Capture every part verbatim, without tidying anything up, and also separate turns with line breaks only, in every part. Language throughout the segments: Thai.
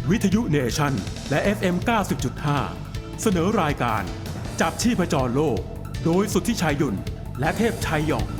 วิทยุเนชั่นและ เอฟ เอ็ม เก้าสิบจุดห้า เสนอรายการจับชีพจรโลกโดยสุทธิชัยหยุ่นและเทพชัยหย่อง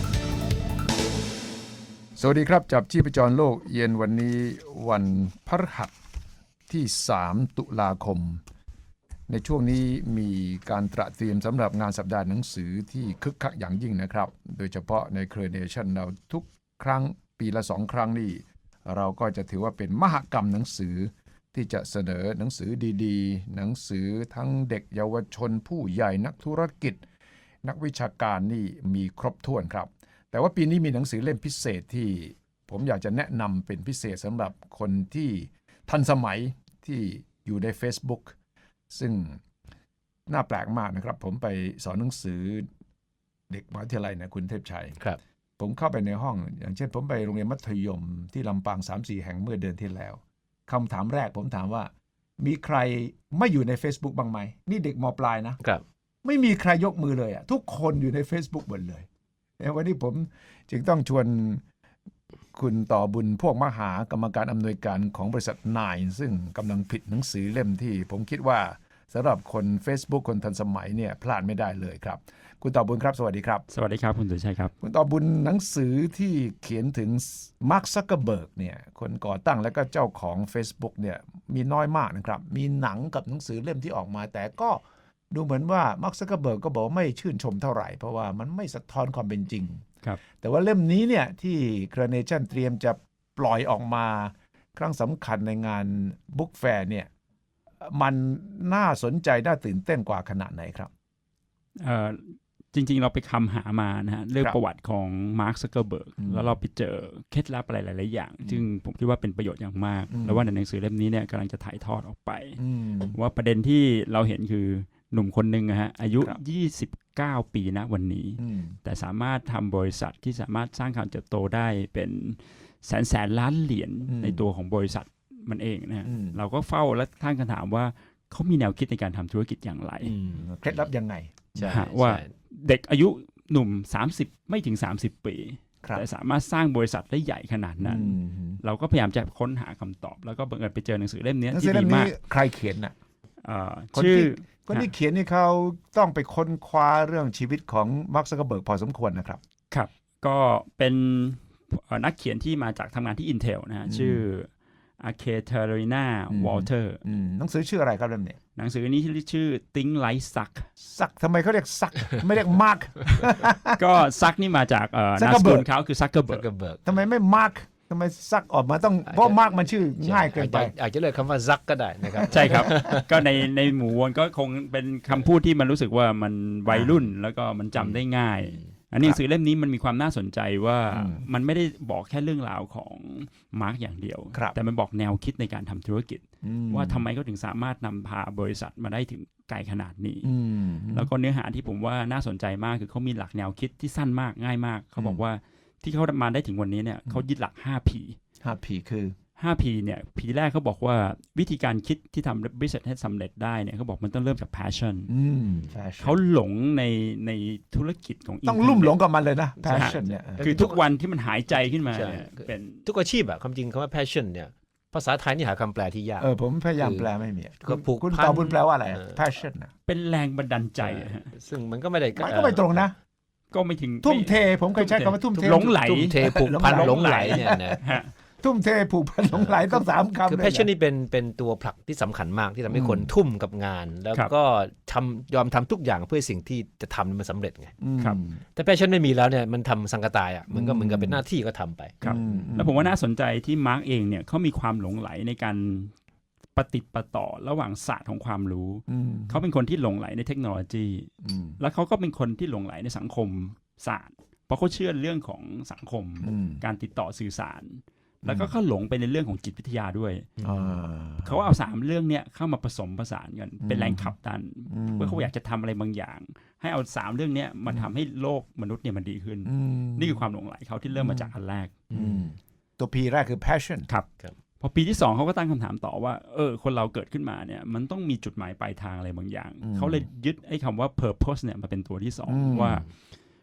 สวัสดีครับจับชีพจรโลกเย็นวันนี้วันพฤหัสที่สามตุลาคมในช่วงนี้มีการตระเตรียมสำหรับงานสัปดาห์หนังสือที่คึกคักอย่างยิ่งนะครับโดยเฉพาะในเครือเนชั่นเราทุกครั้งปีละสองครั้งนี่เราก็จะถือว่าเป็นมหกรรมหนังสือที่จะเสนอหนังสือดีๆหนังสือทั้งเด็กเยาวชนผู้ใหญ่นักธุรกิจนักวิชาการนี่มีครบถ้วนครับแต่ว่าปีนี้มีหนังสือเล่มพิเศษที่ผมอยากจะแนะนำเป็นพิเศษสำหรับคนที่ทันสมัยที่อยู่ใน Facebook ซึ่งน่าแปลกมากนะครับผมไปสอนหนังสือเด็กมหาวิทยาลัยนะคุณเทพชัย
ครับ
ผมเข้าไปในห้องอย่างเช่นผมไปโรงเรียนมัธยมที่ลำปาง สามสี่ แห่งเมื่อเดือนที่แล้วคำถามแรกผมถามว่ามีใครไม่อยู่ใน Facebook บ้างไหมนี่เด็กม.ปลายนะครับไม่มีใครยกมือเลยอ่ะทุกคนอยู่ใน Facebook หมดเลยวันนี้ผมจึงต้องชวนคุณต่อบุญพวกมหากรรมการอำนวยการของบริษัทนายซึ่งกำลังผลิตหนังสือเล่มที่ผมคิดว่าสำหรับคน Facebook คนทันสมัยเนี่ยพลาดไม่ได้เลยครับคุณต่อบุญครับสวัสดีครับ
สวัสดีครับคุณสุชัยครับ
คุณต่อบุญหนังสือที่เขียนถึงมาร์ค ซักเคอร์เบิร์กเนี่ยคนก่อตั้งและก็เจ้าของ Facebook เนี่ยมีน้อยมากนะครับมีหนังกับหนังสือเล่มที่ออกมาแต่ก็ดูเหมือนว่ามาร์ค ซักเคอร์เบิร์กก็บอกไม่ชื่นชมเท่าไหร่เพราะว่ามันไม่สะท้อนความเป็นจริง
ครับ
แต่ว่าเล่มนี้เนี่ยที่เครือเนชั่นเตรียมจะปล่อยออกมาครั้งสำคัญในงานบุ๊กแฟร์เนี่ยมันน่าสนใจน่าตื่นเต้นกว่าขนาดไหนครับ
เอ่อจริงๆเราไปคำหามานะฮะเรื่องประวัติของมาร์ค ซักเคอร์เบิร์กแล้วเราไปเจอเคล็ดลับอะไรหลายๆอย่างซึ่งผมคิดว่าเป็นประโยชน์อย่างมากแล้วว่าในหนังสือเล่มนี้เนี่ยกำลังจะถ่ายทอดออกไปว่าประเด็นที่เราเห็นคือหนุ่มคนหนึ่งนะฮะอายุยี่สิบเก้าปีนะวันนี้แต่สามารถทำบริษัทที่สามารถสร้างการเติบโตได้เป็นแสนแสนล้านเหรียญในตัวของบริษัทมันเองนะฮะเราก็เฝ้าและตั้งคำถามว่าเขามีแนวคิดในการทำธุรกิจอย่างไร
เคล็ดลับยังไง
ว่าเด็กอายุหนุ่มสามสิบไม่ถึงสามสิบปีแต่สามารถสร้างบริษัทได้ใหญ่ขนาดนั้นเราก็พยายามจะค้นหาคำตอบแล้วก็บังเอิญไปเจอหนังสือเล่มนี้ที่ดีมาก
ใครเขียนน่ะ
ชื่อ
คนที่เขียนนี่เขาต้องไปค้นคว้าเรื่องชีวิตของมาร์ค ซักเคอร์เบิร์กพอสมควรนะครับ
ครับก็เป็นนักเขียนที่มาจากทำงานที่ Intel นะฮะชื่ออาเคเทอรีนาวอลเตอร์
หนังสือชื่ออะไรครับเล่มนี้
หนังสือนี้ชื่อ Think Like Suck
ซักทำไมเขาเรียกซักไม่เรียกมาร์ค
ก็ซักนี่มาจากนามสกุลเขาคือซักเกอร์เบิร์ก
ทำไมไม่มาร์คทำไมซักออกมาต้องเพราะมาร์คมันชื่อง่ายเกินไป
อาจจะเลยคำว่าซักก็ได้นะครับ
ใช่ครับก็ในในหมู่มวลก็คงเป็นคำพูดที่มันรู้สึกว่ามันวัยรุ่นแล้วก็มันจำได้ง่ายอันนี้หนังสือเล่มนี้มันมีความน่าสนใจว่ามันไม่ได้บอกแค่เรื่องราวของมาร์กอย่างเดียวแต่มันบอกแนวคิดในการทำธุรกิจว่าทำไมเขาถึงสามารถนำพาบริษัทมาได้ถึงไกลขนาดนี้แล้วก็เนื้อหาที่ผมว่าน่าสนใจมากคือเขามีหลักแนวคิดที่สั้นมากง่ายมากเขาบอกว่าที่เขามาได้ถึงวันนี้เนี่ยเขายึดหลัก ห้า พี
ห้า พี คือ
ห้า พี เนี่ย P แรกเขาบอกว่าวิธีการคิดที่ทำ business ให้สำเร็จได้เนี่ยเขาบอกมันต้องเริ่มจาก passion เขาหลงในในธุรกิจของ
ต้องลุ่มหลงกับมันเลยนะ passion เนี่ย
คือทุกวันที่มันหายใจขึ้นมา
เป็นทุกอาชีพอะความจริงคำว่า passion เนี่ยภาษาไทยนี่หาคำแปลที่ยาก
เออผมพยายามแปลไม่มีคุณตอบบุญแปลว่าอะไร passion
เป็นแรงบันดาลใจ
ซึ่งมันก็ไม่ได้
มันก็ไม่ตรงนะ
ก็ไม่ถึง
ทุ่มเทผมเคยใช้คำว่าทุ่มเท
หลงไหล
ทุ่มเทผูกพันหลงไหลเนี่ยนะ
ทุ่มเทผูกพันหลงไหลต้องสามคำ
คือ passion นี่เป็นเป็นตัวผลักที่สำคัญมากที่ทำให้คนทุ่มกับงานแล้วก็ทำยอมทำทุกอย่างเพื่อสิ่งที่จะทำมันสำเร็จไงแต่ passion ไม่มีแล้วเนี่ยมันทำสังกตายอ่ะมันก็เหมือนกับเป็นหน้าที่ก็ทำไป
แล้วผมว่าน่าสนใจที่มาร์กเองเนี่ยเขามีความหลงไหลในการปฏิปต่อระหว่างศาสตร์ของความรู้เขาเป็นคนที่หลงไหลในเทคโนโลยีแล้วเขาก็เป็นคนที่หลงไหลในสังคมศาสตร์เพราะเขาเชื่อเรื่องของสังคมการติดต่อสื่อสารแล้วก็เขาหลงไปในเรื่องของจิตวิทยาด้วยเขาเอาสามเรื่องเนี้ยเข้ามาผสมผสานกันเป็นแรงขับดันเพื่อเขาอยากจะทำอะไรบางอย่างให้เอาสามเรื่องเนี้ยมาทำให้โลกมนุษย์เนี่ยมันดีขึ้นนี่คือความหลงไหลเขาที่เริ่มมาจากอันแรก
ตัว P แรกคือ passion
ครับพอปีที่สองเขาก็ตั้งคำถามต่อว่าเออคนเราเกิดขึ้นมาเนี่ยมันต้องมีจุดหมายปลายทางอะไรบางอย่างเขาเลยยึดไอ้คำว่า purpose เนี่ยมาเป็นตัวที่สองว่า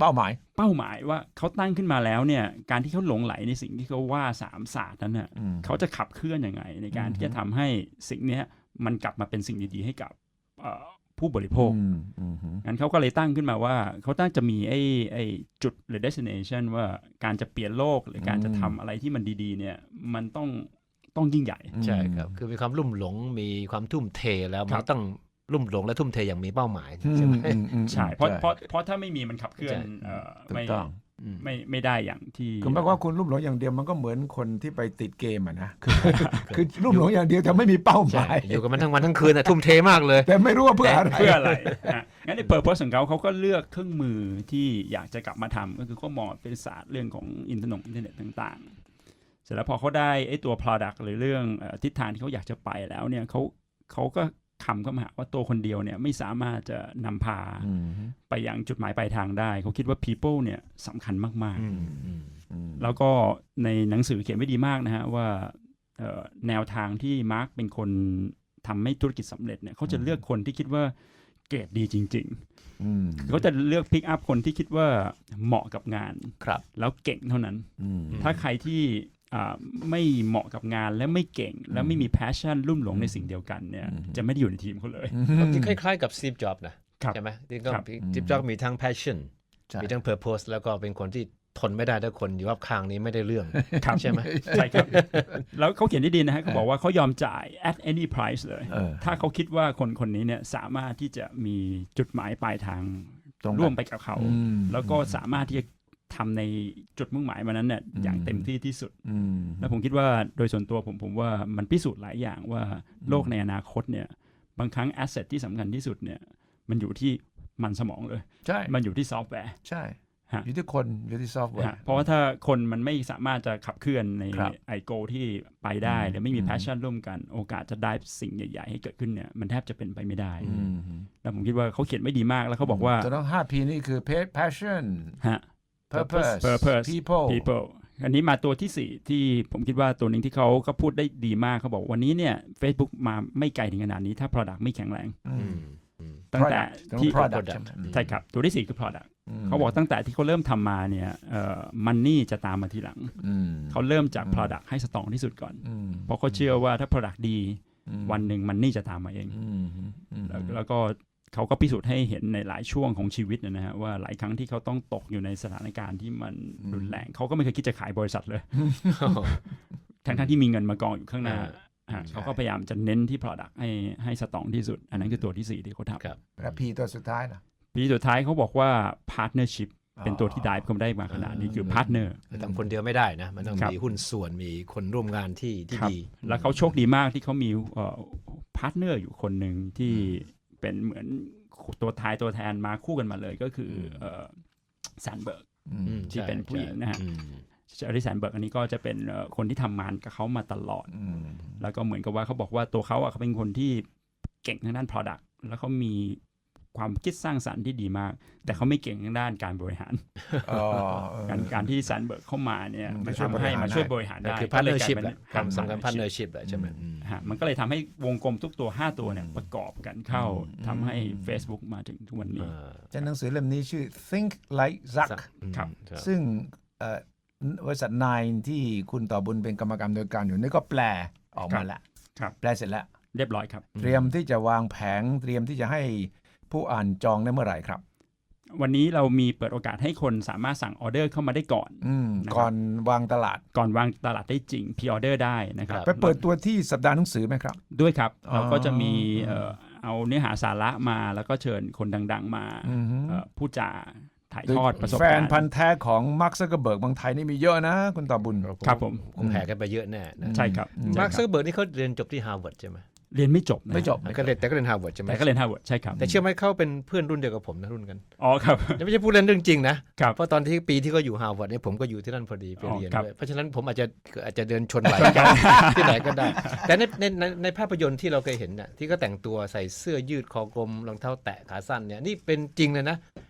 เป้าหมาย
เป้าหมายว่าเขาตั้งขึ้นมาแล้วเนี่ยการที่เขาหลงไหลในสิ่งที่เขาว่าสามศาสตร์นั้นน่ะเขาจะขับเคลื่อนยังไงในการที่จะทำให้สิ่งนี้มันกลับมาเป็นสิ่งดีๆให้กับผู้บริโภคงั้นเขาก็เลยตั้งขึ้นมาว่าเขาตั้งจะมีไอ้ไอ้จุดหรือ destination ว่าการจะเปลี่ยนโลกหรือการจะทำอะไรที่มันดีๆเนี่ยมันต้องต้องยิ่งใหญ่
ใช่ครับคือมีความลุ่มหลงมีความทุ่มเทแล้วมันต้องลุ่มหลงและทุ่มเทอย่างมีเป้าหมายใช่ไหม
ใช่เพราะเพราะเพราะถ้าไม่มีมันขับเคลื่อนไม่ไม่ไม่ได้อย่างที่
คือหมายความว่าคุณลุ่มหลงอย่างเดียวมันก็เหมือนคนที่ไปติดเกมอ่ะนะคือคือลุ่มหลงอย่างเดียวแต่ไม่มีเป้าหมาย
อยู่กับมันทั้งวันทั้งคืนอ่ะทุ่มเทมากเลย
แต่ไม่รู้ว่าเพื่ออะไร
เพื่ออะไรงั้นในเปิดโพสของเขาเขาก็เลือกเครื่องมือที่อยากจะกลับมาทำก็คือเขามองเป็นศาสตร์เรื่องของอินเทอร์เน็ตอินเทอร์เน็ตต่างๆเสร็จแล้วพอเขาได้ไอ้ตัว product หรือเรื่องทิศทางที่เขาอยากจะไปแล้วเนี่ยเขาเขาก็คำเข้ามาว่าตัวคนเดียวเนี่ยไม่สามารถจะนำพาไปยังจุดหมายปลายทางได้เขาคิดว่า people เนี่ยสำคัญมากๆแล้วก็ในหนังสือเขียนไว้ดีมากนะฮะว่าแนวทางที่มาร์คเป็นคนทำให้ธุรกิจสำเร็จเนี่ยเขาจะเลือกคนที่คิดว่าเกรดดีจริงๆเขาจะเลือกพิกอัพคนที่คิดว่าเหมาะกับงานแล้วเก่งเท่านั้นถ้าใครที่ไม่เหมาะกับงานและไม่เก่งและไม่มี passion ลุ่มหลงในสิ่งเดียวกันเนี่ยจะไม่ได้อยู่ในทีมเขาเลย
คล้ายๆกับสตีฟจ็อบส์นะใช่ไหมที่ก็สตีฟจ็อบส์มีทั้ง passion มีทั้ง purpose แล้วก็เป็นคนที่ทนไม่ได้ถ้าคนอยู่รอบข้างนี้ไม่ได้เรื่องใช่ไหม
ใช่ครับแล้วเขาเขียนได้ดีนะฮะเขาบอกว่าเขายอมจ่าย at any price เลยถ้าเขาคิดว่าคนคนนี้เนี่ยสามารถที่จะมีจุดหมายปลายทางร่วมไปกับเขาแล้วก็สามารถที่จะทำในจุดมุ่งหมายมันนั้นเนี่ยอย่างเต็มที่ที่สุดแล้วผมคิดว่าโดยส่วนตัวผมผมว่ามันพิสูจน์หลายอย่างว่าโลกในอนาคตเนี่ยบางครั้งแอสเซทที่สำคัญที่สุดเนี่ยมันอยู่ที่มันสมองเลย
ใช่
มันอยู่ที่ซอฟต์แวร์
ใช่อยู่ที่คนอยู่ที่ซอฟต์แวร์
เพราะว่าถ้าคนมันไม่สามารถจะขับเคลื่อนในไอโกที่ไปได้หรือไม่มีแพชชั่นร่วมกันโอกาสจะได้สิ่งใหญ่ๆให้เกิดขึ้นเนี่ยมันแทบจะเป็นไปไม่ได้แล้วผมคิดว่าเขาเขียนไม่ดีมากแล้วเขาบอกว่า
จะต้อง ห้า พี นี่คือ passion
ฮะ
purpose
purpose
people
people อันนี้มาตัวที่สี่ที่ผมคิดว่าตัวหนึ่งที่เขาก็พูดได้ดีมากเขาบอกวันนี้เนี่ย Facebook มาไม่ไกลถึงขนาดนี้ถ้า product ไม่แข็งแรงตั้งแต่ที่
product
ใช่ครับตัวที่สี่คือ product เขาบอกตั้งแต่ที่เขาเริ่มทำมาเนี่ยเอ่อ money จะตามมาทีหลังเขาเริ่มจาก product ให้สตรองที่สุดก่อนเพราะเขาเชื่อว่าถ้า product ดีวันหนึ่ง money จะตามมาเองแล้วก็เขาก็พิสูจน์ให้เห็นในหลายช่วงของชีวิตนะฮะว่าหลายครั้งที่เขาต้องตกอยู่ในสถานการณ์ที่มันรุนแรงเขาก็ไม่เคยคิดจะขายบริษัทเลยทั้งๆที่มีเงินมากองอยู่ข้างหน้าเขาก็พยายามจะเน้นที่ product ให้ให้สตรองที่สุดอันนั้นคือตัวที่สี่ที่เขาทำ
แล้วพีตัวสุดท้ายนะ
พีสุดท้ายเขาบอกว่า partnership เป็นตัวที่ได้เขาได้มาขนาดนี้คือ partner
ทำคนเดียวไม่ได้นะมันต้องมีหุ้นส่วนมีคนร่วมงานที่ที่ดี
แล้วเขาโชคดีมากที่เขามี partner อยู่คนหนึ่งที่เป็นเหมือนตัวท้ายตัวแทนมาคู่กันมาเลยก็คือแซนเบิร์กที่เป็นผู้หญิงนะฮะอริแซนเบิร์กอันนี้ก็จะเป็นคนที่ทำงานกับเขามาตลอดแล้วก็เหมือนกับว่าเขาบอกว่าตัวเขาอ่ะเขาเป็นคนที่เก่งทางด้าน product แล้วเขามีความคิดสร้างสรรค์ที่ดีมากแต่เขาไม่เก่งทางด้านการบริหารการการที่แซนเบิร์กเข้ามาเนี่ยมันทำให้มาช่วยบริหารได้
คือ partnership แหละความสำคัญ partnership แหละใช่ไหม
มันก็เลยทำให้วงกลมทุกตัวห้าตัวเนี่ยประกอบกันเข้าทำให้ Facebook มาถึงทุกวันนี้
หนังสือเล่มนี้ชื่อ Think Like Zuck ซึ่งบริษัท Nine ที่คุณต่อบุญเป็นกรรมการโดยการอยู่นี่ก็แปลออกมาแล้วแปลเสร็จแล้ว
เรียบร้อยครับ
เตรียมที่จะวางแผงเตรียมที่จะให้ผู้อ่านจองได้เมื่อไหร่ครับ
วันนี้เรามีเปิดโอกาสให้คนสามารถสั่งออเดอร์เข้ามาได้ก่อน
ก่อนวางตลาด
ก่อนวางตลาดได้จริงพรีออเดอร์ได้นะครับ
ไปเปิดตัวที่สัปดาห์หนังสือไหมครับ
ด้วยครับเราก็จะมีเอาเนื้อหาสาระมาแล้วก็เชิญคนดังๆมาผู้จ่าถ่ายทอดประสบการณ์
แฟนพันธ์แท้ของมาร์ค ซักเคอร์เบิร์กบางไทยนี่มีเยอะนะคุณต่อบุญ
ครับผม
คงแห่กันไปเยอะแน่
ใช่ครับ
มาร์ค ซักเคอร์เบิร์กนี่เขาเรียนจบที่ฮาร์วาร์ดใช่ไหม
เรียนไม่จบ
ไม่จบ
แต่ก็เรียนแต่ก็เรียนฮาร์วาร์ดใช่ไหม
แต่ก็เรียนฮาร์วาร์ดใช่ครับ
แต่เชื่อไหมเขาเป็นเพื่อนรุ่นเดียวกับผมนะรุ่นกัน
อ๋อครับ
ไม่ใช่พูดเล่นเรื่องจริงนะเพราะตอนที่ปีที่เขาอยู่ฮาร์วาร์ดเนี่ยผมก็อยู่ที่นั่นพอดีไปเรียนด้วยเพราะฉะนั้นผมอาจจะอาจจะเดินชนไหลกันที่ไหนก็ได้แต่ในในในภาพยนตร์ที่เราเคยเห็นน่ะที่ก็แต่งตัวใส่เสื้อยืดคอกลมรองเท้าแตะขาสั้นเนี่ยนี่เป็นจริงเลยนะ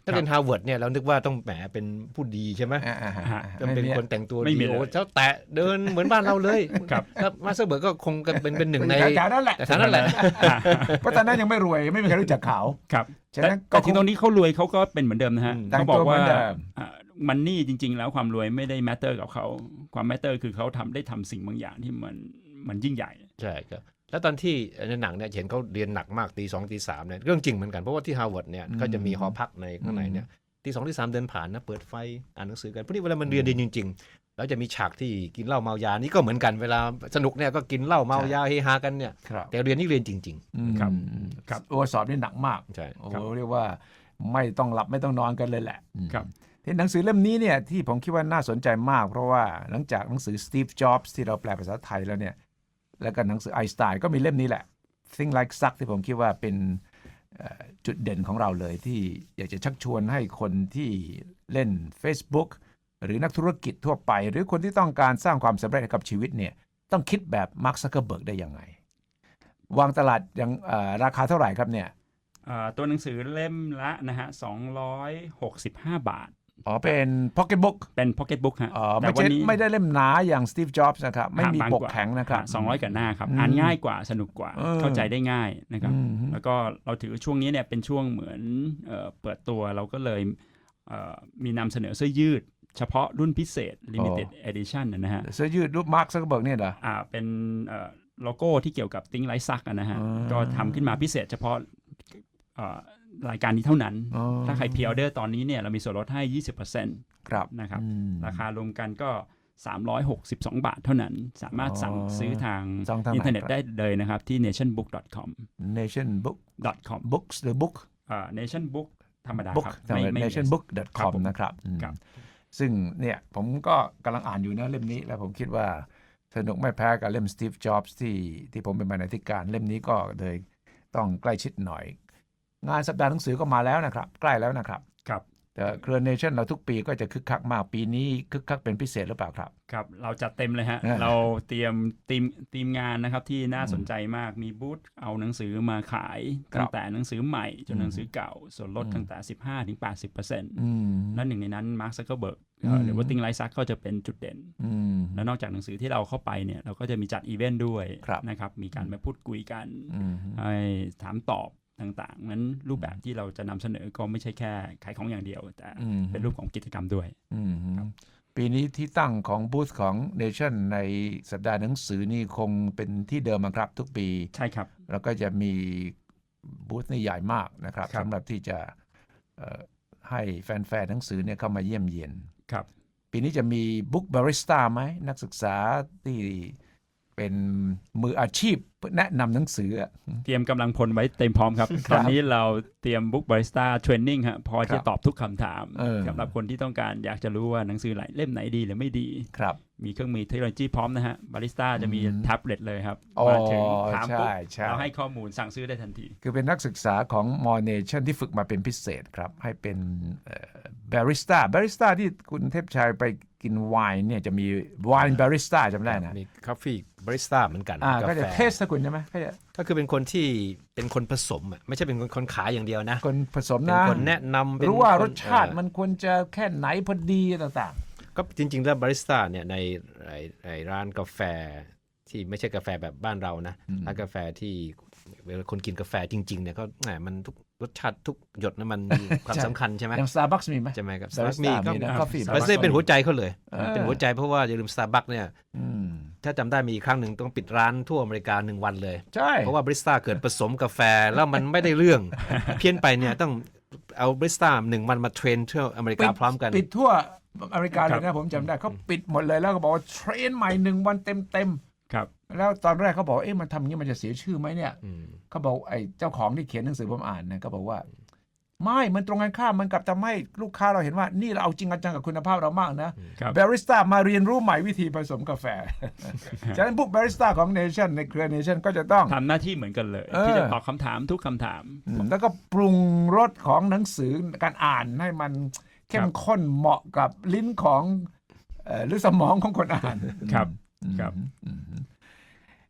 ถ้าเป็นฮาร์วาร์ดเนี่ยเรานึกว่าต้องแหมเป็นผู้ดีใช่ไหม
อ่าๆๆ
จะเป็นคนแต่งตัว
ไม่
ดี
มีเลย
โอ้เจ้าแตะเดินเหมือนบ้านเราเลยครับแล้วมาสเตอร์เบิร์กก็คงเป็นเป็นหนึ่งใน
แถวๆนั้นแหละ
แต่ท่านั้นแหละ
เพราะตอนนั้นยังไม่รวยไม่มีใครรู้จักเขา
ครับ
ฉะ
แต่
นั้นก็
แต่ถึงตรงนี้เขารวยเขาก็เป็นเหมือนเดิมนะฮะ
แต่ง
เขาบอก
ตัวเหมื
ว่า
อนเดิม
มันนี่จริง ๆ แล้วความรวยไม่ได้แมตเตอร์กับเขาความแมตเตอร์คือเขาทำได้ทำสิ่งบางอย่างที่มันมันยิ่งใหญ่
ใช่ครับแล้วตอนที่ในหนังเนี่ยเห็นเขาเรียนหนักมากตีสองตีสามเนี่ยเรื่องจริงเหมือนกันเพราะว่าที่ฮาร์วาร์ดเนี่ยก็จะมีหอพักในข้างในเนี่ยตีสองตีสามเดินผ่านนะเปิดไฟอ่านหนังสือกันพวกนี้เวลามันเรียนดีจริงๆแล้วจะมีฉากที่กินเหล้าเมายานี่ก็เหมือนกันเวลาสนุกเนี่ยก็กินเหล้าเมายาเฮฮากันเนี่ย
ครับ
แต่เรียนนี่เรียนจริง
ครับ
ครับโอ้สอบนี่หนักมาก
ๆใช่
โอ้โหเรียกว่าไม่ต้องหลับไม่ต้องนอนกันเลยแหละ
ครับ
ที่หนังสือเล่มนี้เนี่ยที่ผมคิดว่าน่าสนใจมากเพราะว่าหลังจากหนังสือ Steve Jobs ที่เราแปลภาษาไทยแล้วเนี่ยแล้วก็หนังสือไอน์สไตน์ก็มีเล่มนี้แหละ Think Like Suck ที่ผมคิดว่าเป็นจุดเด่นของเราเลยที่อยากจะชักชวนให้คนที่เล่น Facebook หรือนักธุรกิจทั่วไปหรือคนที่ต้องการสร้างความสำเร็จให้กับชีวิตเนี่ยต้องคิดแบบมาร์ค ซักเคอร์เบิร์กได้ยังไงวางตลาดยังราคาเท่าไหร่ครับเนี่ย
ตัวหนังสือเล่มละนะฮะสองร้อยหกสิบห้าบาท
อ๋อเป็นพ็อกเก็ตบุ๊ก
เป็นพ็อกเก็ตบุ๊กฮะ
อ๋อไม่ใช่ไม่ได้เล่มหนาอย่าง Steve Jobs นะครับไม่มีปกแข็งนะครับ
สองร้อยกว่าหน้าครับอ่านง่ายกว่าสนุกกว่าเข้าใจได้ง่ายนะครับแล้วก็เราถือช่วงนี้เนี่ยเป็นช่วงเหมือนเอ่อเปิดตัวเราก็เลยเอ่อมีนำเสนอเสื้อยืดเฉพาะรุ่นพิเศษ Limited Edition นะฮะ
เสื้อยืดรูปมาร์ค ซักเคอร์เบิร์กเนี่ยเหรอ
อ่าเป็นเอ่อโลโก้ที่เกี่ยวกับ Think Like Suck นะฮะก็ทำขึ้นมาพิเศษเฉพาะเอ่อรายการนี้เท่านั้นถ้าใครพรีออเดอร์ตอนนี้เนี่ยเรามีส่วนลดให้ ยี่สิบเปอร์เซ็นต์
ครับ
นะครับราคารวมกันก็สามร้อยหกสิบสองบาทเท่านั้นสามารถสั่งซื้อทางอินเทอร์เน็ตได้เลยนะครับที่ เนชั่นบุ๊ก ดอท คอม
เนชั่นบุ๊ก
ดอท คอม
books หรือ book
อ่า nationbook ธรรมดาครับ
เนชั่นบุ๊ก ดอท คอม นะครับซึ่งเนี่ยผมก็กำลังอ่านอยู่นะเล่มนี้แล้วผมคิดว่าสนุกไม่แพ้กับเล่ม Steve Jobs ที่ที่ผมเป็นบรรณาธิการเล่มนี้ก็เลยต้องใกล้ชิดหน่อยงานสัปดาห์หนังสือก็มาแล้วนะครับใกล้แล้วนะครับ
ครับ
แต่เครือ Nation เราทุกปีก็จะคึกคักมากปีนี้คึกคักเป็นพิเศษหรือเปล่าครับ
ครับเราจัดเต็มเลยฮะเราเตรียมทีมทีมงานนะครับที่น่าสนใจมากมีบูธเอาหนังสือมาขายตั้งแต่หนังสือใหม่จนหนังสือเก่าส่วนลดตั้งแต่ สิบห้าถึงแปดสิบเปอร์เซ็นต์ และหนึ่งในนั้นมาร์ค ซักเคอร์เบิร์กหรือว่า Think Like Suck ก็จะเป็นจุดเด่นและนอกจากหนังสือที่เราเข้าไปเนี่ยเราก็จะมีจัดอีเวนต์ด้วยนะครับมีการมาพูดคุยกันให้ถามตอบต่างๆนั้นรูปแบบที่เราจะนำเสนอก็ไม่ใช่แค่ขายของอย่างเดียวแต่เป็นรูปของกิจกรรมด้วย
ปีนี้ที่ตั้งของบูธของ Nation ในสัปดาห์หนังสือนี่คงเป็นที่เดิมครับทุกปี
ใช่ครับ
แล้วก็จะมีบูธนี่ใหญ่มากนะครับสำหรับที่จะให้แฟนๆหนังสือเนี่ยเข้ามาเยี่ยมเยียน
ครับ
ปีนี้จะมีบุ๊กบาริสต้าไหมนักศึกษาที่เป็นมืออาชีพแนะนำหนังสือ
เตรียมกำลังพลไว้เต็มพร้อมครับตอนนี้เราเตรียมบุ๊กบาริสต้าเทรนนิ่งฮะพอจะตอบทุกคำถามสำหรับคนที่ต้องการอยากจะรู้ว่าหนังสือเล่มไหนดีหรือไม่ดี
ครับ
มีเครื่องมือเทคโนโลยีพร้อมนะฮะบาริสต้าจะมีแท็บเล็ตเลยครับมาถึงถามปุ๊บเราให้ข้อมูลสั่งซื้อได้ทันที
คือเป็นนักศึกษาของมอ Nation ที่ฝึกมาเป็นพิเศษครับให้เป็นบาริสต้าบาริสต้าที่คุณเทพชัยไปกินไวน์เนี่ยจะมีไวน์บาริสต้าจำได้นะ
มีคาเฟ่บาริสต้าเหมือนกัน
ก็จะเทสนะคุณใช่ไหม
ก็คือเป็นคนที่เป็นคนผสมอ่ะไม่ใช่เป็นคนขายอย่างเดียวนะ
คนผสมนะ
เป็นคนแนะนำ
รู้ว่ารสชาติมันควรจะแค่ไหนพอดีต่าง
ๆก็จริงๆแล้วบาริสต้าเนี่ยในร้านกาแฟที่ไม่ใช่กาแฟแบบบ้านเรานะร้านกาแฟที่เวลาคนกินกาแฟจริงๆเนี่ยก็แหมมันทุกรสชาติทุกหยดนั้นมันมีความสำคัญใช่ไหม
อย่าง Starbucks มีไหม
ใช่ไหมครับ Starbucks มีก็
กาแฟ
Starbucks เป็นหัวใจเขาเลยเป็นหัวใจเพราะว่าอย่าลืม Starbucks เนี่ยถ้าจำได้มีครั้งหนึ่งต้องปิดร้านทั่วอเมริกาหนึ่งวันเลย
ใช่
เพราะว่าบาริสต้าเกิดผสมกาแฟแล้วมันไม่ได้เรื่องเพี้ยนไปเนี่ยต้องเอาบาริสต้าหนึ่งวันมาเทรนทั่วอเมริกาพร้อมกัน
ปิดทั่วอเมริกาเลยนะผมจำได้เขาปิดหมดเลยแล้วก็บอกว่าเทรนใหม่หนึ่งวันเต็ม
ครับ
แล้วตอนแรกเขาบอกเอ๊ะมันทำอย่างนี้มันจะเสียชื่อไหมเนี่ยเขาบอกไอ้เจ้าของที่เขียนหนังสือผมอ่านนะก็บอกว่าไม่มันตรงกันข้ามมันกลับทำให้ลูกค้าเราเห็นว่านี่เราเอาจริงจังกับคุณภาพเรามากนะบาริสต้ามาเรียนรู้ใหม่วิธีผสมกาแฟฉะนั้นพวกบาริสต้าของ Nation ในเครือ Nation ก็จะต้อง
ทำหน้าที่เหมือนกันเลยที่จะตอบคำถามทุกคำถาม
แล้วก็ปรุงรสของหนังสือการอ่านให้มันเข้มข้นเหมาะกับลิ้นของหรือสมองของคนอ่าน
ครับครับ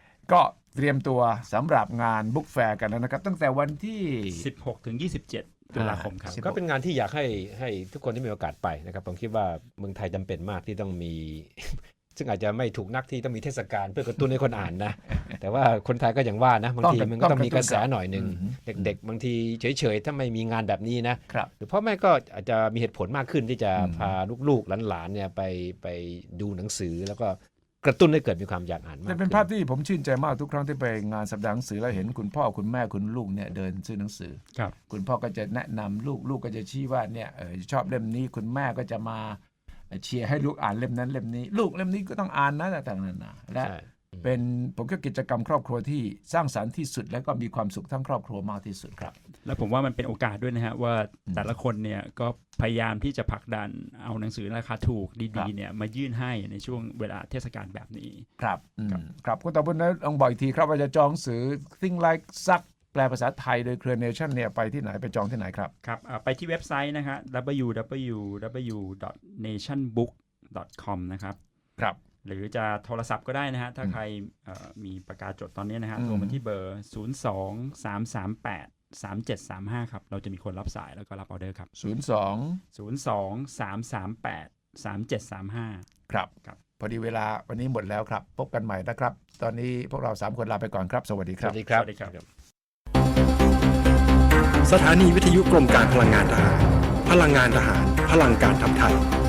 ก็เตรียมตัวสำหรับงานบุ๊กแฟร์กันแล้วนะครับตั้งแต่วันที่
สิบหกถึงยี่สิบเจ็ดตุลาคมครับ
ก็เป็นงานที่อยากให้ให้ทุกคนที่มีโอกาสไปนะครับผมคิดว่าเมืองไทยจำเป็นมากที่ต้องมี ซึ่งอาจจะไม่ถูกนักที่ต้องมีเทศกาลเพื่อกระตุ้นให้คนอ่านนะ แต่ว่าคนไทยก็อย่างว่านะบางทีมันก็ต้องมีกระแสหน่อยหนึ่งเด็กๆ บางทีเฉยๆถ้าไม่มีงานแบบนี้นะครับ หรือพ่อแม่ก็อาจจะมีเหตุผลมากขึ้นที่จะพาลูกๆหลานๆเนี่ยไปไปดูหนังสือแล้วก็กระตุ้นให้เกิดมีความอยากอ่านมาก
แต่เป็นภาพที่ผมชื่นใจมากทุกครั้งที่ไปงานสัปดาห์หนังสือแล้วเห็นคุณพ่อคุณแม่คุณลูกเนี่ยเดินซื้อหนังสือ
ครับ
คุณพ่อก็จะแนะนำลูกลูกก็จะชี้ว่าเนี่ยเออชอบเล่มนี้คุณแม่ก็จะมาเชียร์ให้ลูกอ่านเล่มนั้นเล่มนี้ ลูกเล่มนี้ก็ต้องอ่านนะต่างๆนานาและ
ใช่
เป็นผมก็กิจกรรมครอบครัวที่สร้างสรรค์ที่สุดและก็มีความสุขทั้งครอบครัวมากที่สุดครับ
แล้วผมว่ามันเป็นโอกาสด้วยนะฮะว่าแต่ละคนเนี่ยก็พยายามที่จะผลักดันเอาหนังสือราคาถูก
ครั
ดี
บ
ๆเนี่ยมายื่นให้ในช่วงเวลาเทศกาลแบบนี้
ครับอืมครับคุณตาบุญนะลองบอกอีกทีครับว่าจะจองหนังสือ Think Like Suck แปลภาษาไทยโดยเครือเนชั่นเนี่ยไปที่ไหนไปจองที่ไหนครับ
ครับอ่าไปที่เว็บไซต์นะฮะ ดับเบิลยู ดับเบิลยู ดับเบิลยู ดอท เนชั่นบุ๊ก ดอท คอม นะครับ
ครับ
หรือจะโทรศัพท์ก็ได้นะฮะ ถ้าใครเอ่อมีปากกาจดตอนนี้นะฮะ
อืม
โทรมาที่เบอร์ ศูนย์ สอง สาม สาม แปด สาม เจ็ด สาม ห้า ครับ เราจะมีคนรับสายแล้วก็รับออเดอร์ครับ
ศูนย์สอง
ศูนย์ สอง สาม สาม แปด สาม เจ็ด สาม ห้า
ครับ
ครับ
พอดีเวลาวันนี้หมดแล้วครับพบกันใหม่นะครับ ตอนนี้พวกเราสามคนลาไปก่อนครับ สวัสดีค
ส
รับ
วัสดีครับ
สวัสดีครับ
สถานีวิทยุกรมการพลังงานทหาร พลังงานทหาร พลังการทำไทย